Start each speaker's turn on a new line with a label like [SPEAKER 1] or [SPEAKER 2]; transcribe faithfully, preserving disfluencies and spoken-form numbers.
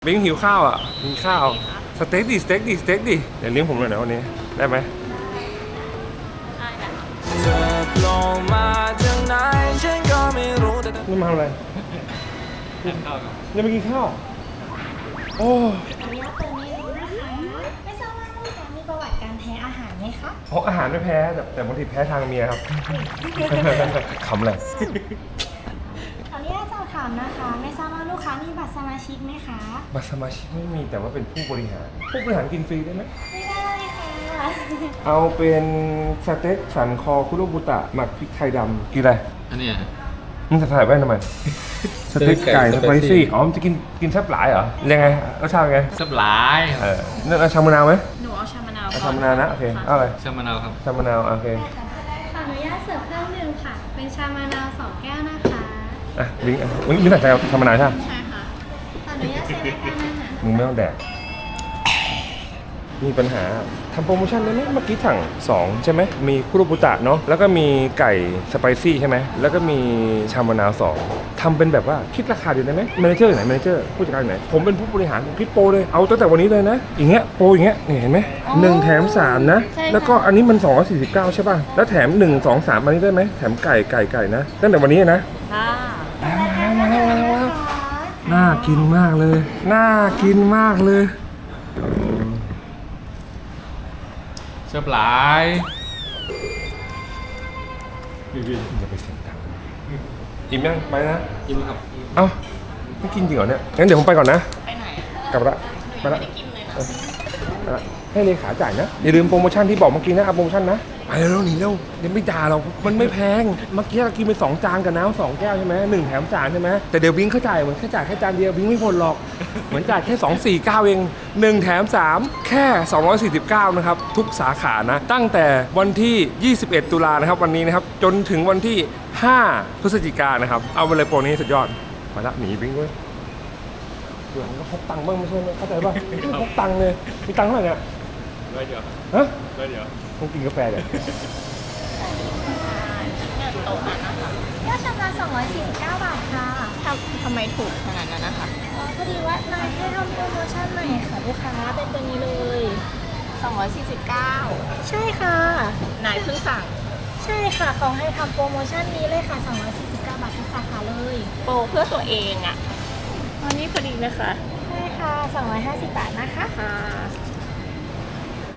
[SPEAKER 1] บิงหิวข้าวอ่ะมีข้าวสเต็กดิสเต็กดิสเต็กดิเดี๋ยวเลี้ยงผมหน่อยนะวันนี้ได้ไหมนี่มาทำอะไรยังไม่กินข้าวโอ้
[SPEAKER 2] ขออนุญาตเติมเมนูนะคะไม่ทราบว่าลูกค้ามีประวัติการแพ้อาหารไหมคะ
[SPEAKER 1] เพราะอาหารไม่แพ้แต่แต่บางทีแพ้ทางเมียครับ ขำเลย
[SPEAKER 2] ขออนุญาตสอบถามนะคะไม่ทราบว่าลูกค้ามีบัตรสมาชิกไหมคะ
[SPEAKER 1] บัตรสมาชิกไม่มีแต่ว่าเป็นผู้บริหารผู้บริหารกินฟรีได้ไหม
[SPEAKER 2] ไม่ได้ค่ะ
[SPEAKER 1] เอาเป็นสเต็กสันคอคุโรบุตะหมักพริกไทยดำกินอะไร
[SPEAKER 3] อันนี้
[SPEAKER 1] มึงจะถ่ายไว้ทำไมสเต็กไก่สไปซี่อ๋อมันจะกินกินแซ่บหลายเหรอยังไงรสชาติไง
[SPEAKER 3] แซ่บหลาย
[SPEAKER 1] เออนั่นเอาชามะนาวไหม
[SPEAKER 2] หนูเอาชามะนาว
[SPEAKER 1] เอาชามะนาวนะโอเคเอาอะไร
[SPEAKER 3] ชามะนาวครับ
[SPEAKER 1] ชามะนาวโอเค
[SPEAKER 2] ขออนุญาตเสิร์ฟเครื่องดื่มค่ะเป็นชามะนาวสองแก้วนะคะ
[SPEAKER 1] อ่ะลิงอ่ะลิงลิงใส่ชามะนาวใช่ไหม
[SPEAKER 2] ใช่ค่ะขออนุญาตใช้บริการอาหาร
[SPEAKER 1] มึงไม่ต้องแดกมีปัญหาทำโปรโมชั่นได้ไหมเมื่อกี้สั่งสองใช่ไหมมีคุโรบุตะเนาะแล้วก็มีไก่สไปซี่ใช่ไหมแล้วก็มีชามะนาวสองทำเป็นแบบว่าคิดราคาเดียวได้ไหมแมเนเจอร์ไหนแมเนเจอร์ผู้จัดการไหนผมเป็นผู้บริหารผมคิดโปรเลยเอาตั้งแต่วันนี้เลยนะอย่างเงี้ยโปรอย่างเงี้ยนี่เห็นไหมหนึ่งแถมสามนะแล้วก็อันนี้มันสองร้อยสี่สิบเก้าใช่ป่ะแล้วแถมหนึ่งสองสามอันนี้ได้ไหมแถมไก่ไก่ไก่นะตั้งแต่วันนี้นะ
[SPEAKER 2] ค่ะ
[SPEAKER 1] มาแล้วมาแล้วมาแล้วน่ากินมากเลยน่ากินมากเลย
[SPEAKER 3] แซ่บหลาย
[SPEAKER 1] อย่าไปเสียงดังอิ่มยังไปนะ
[SPEAKER 3] กินครับ
[SPEAKER 1] เอ้าไม่กินจริงเหรอเนี่ยงั้นเดี๋ยวผมไปก่อนนะ
[SPEAKER 2] ไปไหน
[SPEAKER 1] กลับละ
[SPEAKER 2] ไปละไม่ได้กินเลยนะ
[SPEAKER 1] ให้เลขาจ่ายนะอย่าลืมโปรโมชั่นที่บอกเมื่อกี้นะเอาโปรโมชั่นนะไปเร็วหนีเร็วเดี๋ยวไม่ด่าเรามันไม่แพงเมื่อกี้เรากินไปสองจานกับน้ำสองแก้วใช่ไหมหนึ่งแถมจานใช่ไหมแต่เดี๋ยวบิงเขาจ่ายเหมือนแค่จ่ายแค่จานเดียวบิงไม่พอหรอกเหมือนจ่ายแค่สองสี่เก้าเองหนึ่งแถมสามแค่สองร้อยสี่สิบเก้านะครับทุกสาขานะตั้งแต่วันที่ยี่สิบเอ็ดตุลานะครับวันนี้นะครับจนถึงวันที่ห้าพฤศจิกายนนะครับเอาไปเลยโปรนี้สุดยอดไปละหนีบิงเว้ยเดี๋ยวก็พกตังค์บ้างไม่ใช่ไหมเข้าใจป่ะพกตังค์เลยมีตังค์เท่าไหร่เนี่ย
[SPEAKER 3] ได้เดี๋ยว
[SPEAKER 1] ฮะ
[SPEAKER 3] ได้เดี๋ยว
[SPEAKER 1] ต้องกินกาแฟเดี๋ยว
[SPEAKER 2] โต๊ะนั้นนะคะยอดชำระสองร้อยสี่สิบเก้าบาทค่ะทำทำไมถูกขนาดนั้นนะคะอ๋อพอดีว่านายให้ทำโปรโมชั่นใหม่ค่ะลูกค้าเป็นตัวนี้เลยสองร้อยสี่สิบเก้าใช่ค่ะนายเพิ่งสั่งใช่ค่ะเขาให้ทำโปรโมชั่นนี้เลยค่ะสองร้อยสี่สิบเก้าบาททุกสาขาเลยโปรเพื่อตัวเองอ่ะอันนี้พอดีนะคะใช่ค่ะสองร้อยห้าสิบบาทนะคะค่ะ